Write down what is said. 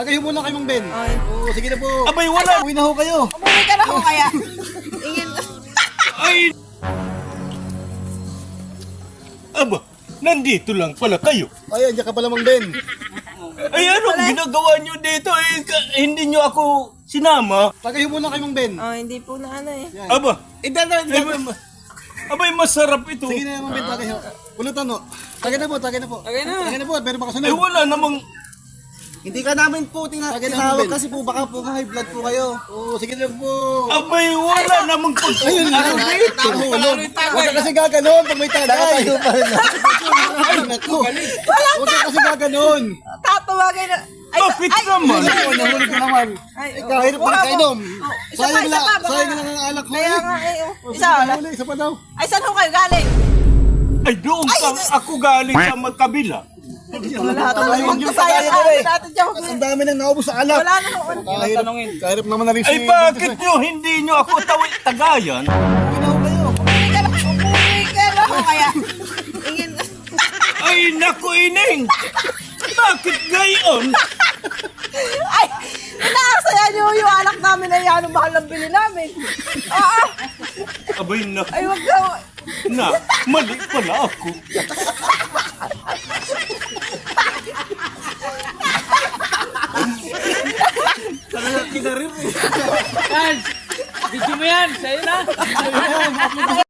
Kayo muna kayo, Mang Ben. Ay. Oo, sige na po. Abay, wala. Uwi na ho kayo. Umuwi ka na ako kaya. Ingin. Ay! Aba, nandito lang pala kayo. Ay, andiyan ka pala, Mang Ben. Ay, anong ginagawa nyo dito? Hindi nyo ako sinama. Kayo muna kayo, Mang Ben. Hindi po na ano eh. Yan. Aba, abay, masarap ito. Sige na, Mang Ben, tagay ho. Pulutan ho. Tagay na po, tagay na po. Tagay na. Tagay na po, pero baka Ay, sunod. wala namang... Hindi ka namin po tinawag kasi po baka po high blood po kayo. Oo, sige na po. Abay, wala namang Ayun, pagkakas dito. Tulog. Huwag ka kasi gaganon pag may tagay. Ay, naku. Huwag ka kasi gaganon. Tatawagin na. Bakit naman? Ano, nahulog ka naman. Ay, Kahirap pa rin kainom. Isa pa, Sayang isa pa, lang, sayang lang ang alak ko Kaya eh. nga eh. O, Isa. sige, huli, isa pa daw. Ay, saan ho kayo galing? Ay, doon ako galing sa magkabila. Wala Ay, talaga. huwag niyo Magkasaya patayin eh. natin dyan. Ang dami nang naubos sa alak. Wala na ho. Kahirap naman na rin Ay, bakit nyo hindi nyo ako tagayan? Umuwi ka na ako kaya. Ingin. Ay, naku, Ining! Bakit gayon? Ay, inaasaya niyo yung anak namin na yan. Ang mahal ng bili namin. Abay, naku Ay, wag daw. na, mali pala ako. Video mo yan, sa'yo na.